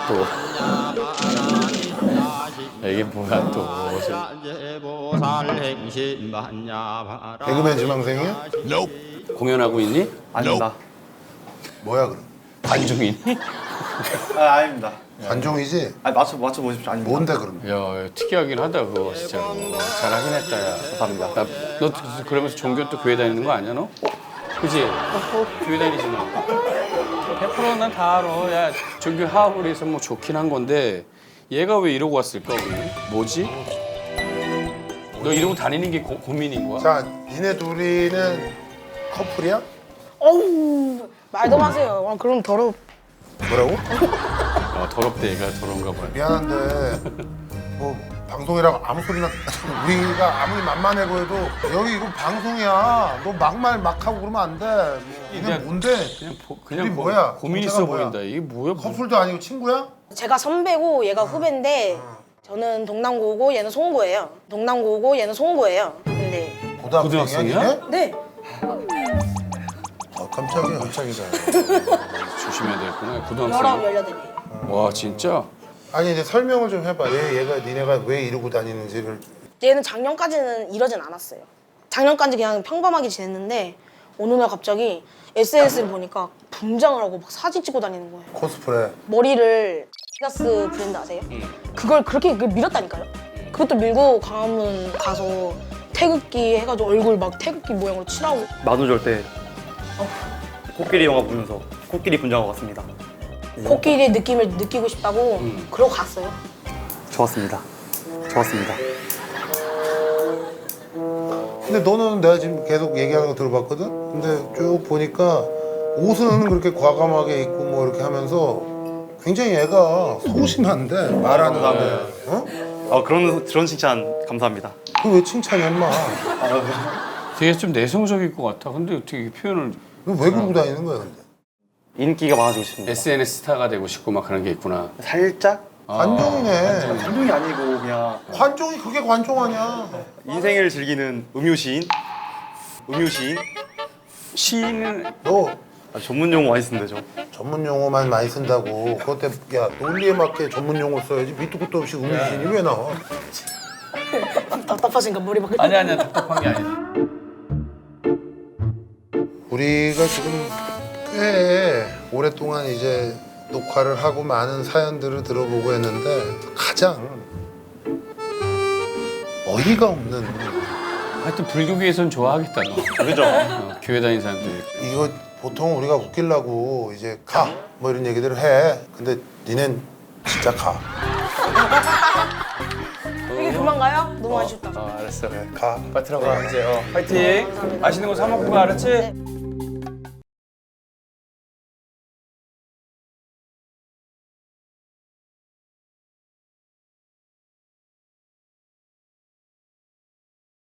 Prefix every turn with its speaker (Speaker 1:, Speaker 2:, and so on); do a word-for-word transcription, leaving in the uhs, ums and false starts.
Speaker 1: 또. 이게 뭐야 또.
Speaker 2: 개그맨 지망생이야?
Speaker 1: 공연하고 있니?
Speaker 3: 아닙니다.
Speaker 2: 뭐야 그럼?
Speaker 1: 관중이니?
Speaker 3: 아, 아닙니다.
Speaker 2: 관종이지?
Speaker 3: 아, 맞춰 맞춰 보십시오. 아닙니다.
Speaker 2: 뭔데 그럼?
Speaker 1: 야, 특이하긴 하다 그거 진짜. 잘하긴 했다 야.
Speaker 3: 감사합니다.
Speaker 1: 나, 너 그러면서 종교 또 교회 다니는 거 아니야 너? 그지? 교회 다니지 너. 백 퍼센트 난 다 알아. 야, 종교 하학을 해서 뭐 좋긴 한 건데 얘가 왜 이러고 왔을까 오늘? 뭐지? 너 이러고 다니는 게 고, 고민인 거야?
Speaker 2: 자, 니네 둘이는 커플이야?
Speaker 4: 어우 말도 마세요. 아, 그럼 더러.
Speaker 2: 뭐라고?
Speaker 1: 어, 더럽대 얘가 더러운가 봐요.
Speaker 2: 미안한데 뭐 방송이라고 아무 소리나 우리가 아무리 만만해 보여도 여기 이거 방송이야. 너 막말 막 하고 그러면 안 돼. 뭐, 이게
Speaker 1: 그냥-
Speaker 2: 뭔데?
Speaker 1: 그냥 보, 그냥
Speaker 2: 우리
Speaker 1: 고,
Speaker 2: 뭐야?
Speaker 1: 고민
Speaker 2: 정체가
Speaker 1: 있어
Speaker 2: 뭐야?
Speaker 1: 보인다. 이게 뭐야? 뭐.
Speaker 2: 커플도 아니고 친구야?
Speaker 4: 제가 선배고 얘가 후배인데 저는 동남고고 얘는 송고예요. 동남고고 얘는 송고예요. 근데
Speaker 2: 고등학생이야?
Speaker 1: 고등학생이야?
Speaker 2: 니네?
Speaker 4: 네
Speaker 2: 아 깜짝이야. 깜짝이다.
Speaker 1: 조심해야 되겠구나.
Speaker 4: 열아홉
Speaker 1: 고등학생.
Speaker 4: 열여덟이에요.
Speaker 1: 와 진짜?
Speaker 2: 아니 이제 설명을 좀 해봐. 얘 얘가 니네가 왜 이러고 다니는지를.
Speaker 4: 얘는 작년까지는 이러진 않았어요. 작년까지 그냥 평범하게 지냈는데 어느 날 갑자기 에스엔에스를 보니까 분장을 하고 막 사진 찍고 다니는 거예요.
Speaker 2: 코스프레.
Speaker 4: 머리를 디다스 브랜드 아세요? 그걸 그렇게 그 밀었다니까요. 그것도 밀고 광화문 가서 태극기 해가지고 얼굴 막 태극기 모양으로 칠하고.
Speaker 3: 만우절 때 코끼리 영화 보면서 코끼리 분장하고 왔습니다.
Speaker 4: 코끼리 느낌을 느끼고 싶다고
Speaker 1: 음.
Speaker 4: 그러고 갔어요.
Speaker 3: 좋았습니다. 좋았습니다.
Speaker 2: 근데 너는 내가 지금 계속 얘기하는 거 들어봤거든? 근데 쭉 보니까 옷은 그렇게 과감하게 입고 뭐 이렇게 하면서 굉장히 얘가 소심한데 말하는 게. 어?
Speaker 3: 아, 그런 그런 칭찬 감사합니다.
Speaker 2: 그거 왜 칭찬이야 인마?
Speaker 1: 되게 좀 내성적일 것 같아. 근데 어떻게 이렇게 표현을
Speaker 2: 너 왜 그러고 다니는 거야 근데?
Speaker 3: 인기가 많아지고 싶습니다.
Speaker 1: 에스엔에스 스타가 되고 싶고 막 그런 게 있구나.
Speaker 3: 살짝
Speaker 2: 관종이네.
Speaker 3: 감동이 아니고 그냥
Speaker 2: 관종이 그게 관종 아니야.
Speaker 3: 인생을 즐기는 음유시인. 음유시인.
Speaker 1: 시인은
Speaker 2: 너
Speaker 3: 아, 전문 용어 많이 쓰는데 저.
Speaker 2: 전문 용어만 많이 쓴다고. 그것 때문에 야 논리에 맞게 전문 용어 써야지. 밑도 끝도 없이 음유신이 왜 나와?
Speaker 4: 답답하신가 머리 막.
Speaker 1: 아니 아니야 답답한 게 아니야.
Speaker 2: 우리가 지금 꽤 오랫동안 이제 녹화를 하고 많은 사연들을 들어보고 했는데 가장 어이가 없는
Speaker 1: 하여튼 불교계에선 좋아하겠다 너.
Speaker 3: 그죠?
Speaker 1: 어, 교회 다니는 사람들.
Speaker 2: 이거 보통 우리가 웃기려고 이제 가 뭐 이런 얘기들을 해. 근데 니넨 진짜 가.
Speaker 4: 이게 그만 가요? 너무 아쉽다.
Speaker 1: 어 알았어.
Speaker 2: 가.
Speaker 1: 빨리 들어가 이제. 어, 파이팅. 맛있는 거 사 먹고 가 알았지?
Speaker 4: 네.